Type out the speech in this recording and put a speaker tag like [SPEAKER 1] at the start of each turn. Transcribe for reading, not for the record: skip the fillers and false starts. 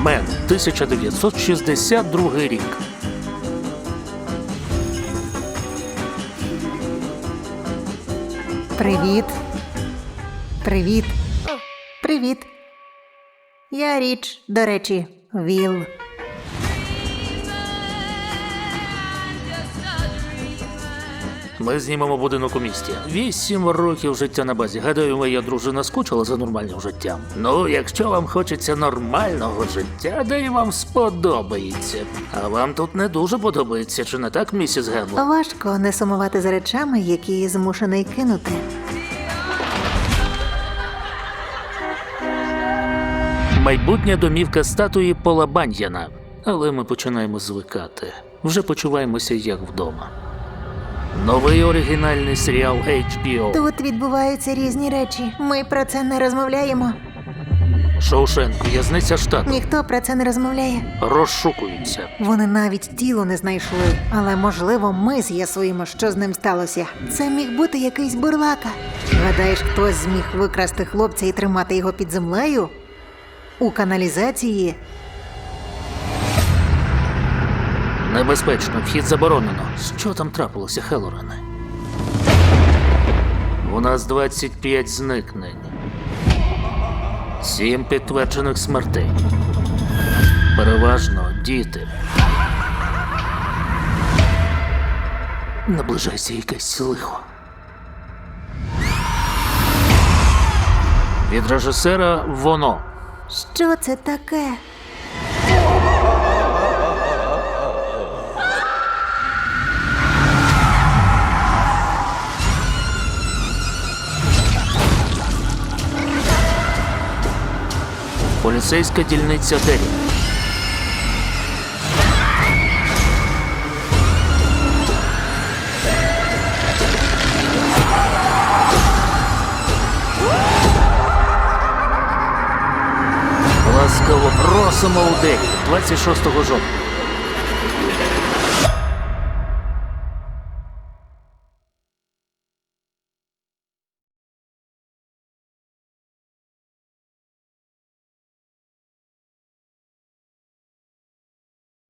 [SPEAKER 1] Мен, 1962 рік.
[SPEAKER 2] Привіт. Привіт. Привіт. Я Річ, до речі, Вілл.
[SPEAKER 1] Ми знімемо будинок у місті. 8 років життя на базі. Гадаю, моя дружина скучила за нормальним життям. Ну, якщо вам хочеться нормального життя, де й вам сподобається. А вам тут не дуже подобається, чи не так, місіс Генло?
[SPEAKER 2] Важко не сумувати за речами, які змушений кинути.
[SPEAKER 1] Майбутня домівка статуї Пола Баньяна. Але ми починаємо звикати. Вже почуваємося як вдома. Новий оригінальний серіал HBO.
[SPEAKER 2] Тут відбуваються різні речі. Ми про це не розмовляємо.
[SPEAKER 1] Шоушенк, в'язниця штату.
[SPEAKER 2] Ніхто про це не розмовляє.
[SPEAKER 1] Розшукуються.
[SPEAKER 2] Вони навіть тіло не знайшли. Але, можливо, ми з'ясуємо, що з ним сталося. Це міг бути якийсь бурлака. Гадаєш, хтось зміг викрасти хлопця і тримати його під землею? У каналізації?
[SPEAKER 1] Небезпечно, вхід заборонено. Що там трапилося, Хеллорене? У нас 25 зникнень. 7 підтверджених смертей. Переважно діти. Наближається якесь лихо. Від режисера «Воно».
[SPEAKER 2] Що це таке?
[SPEAKER 1] Поліцейська дільниця Деррі. Ласкаво просимо у Деррі 26 жовтня.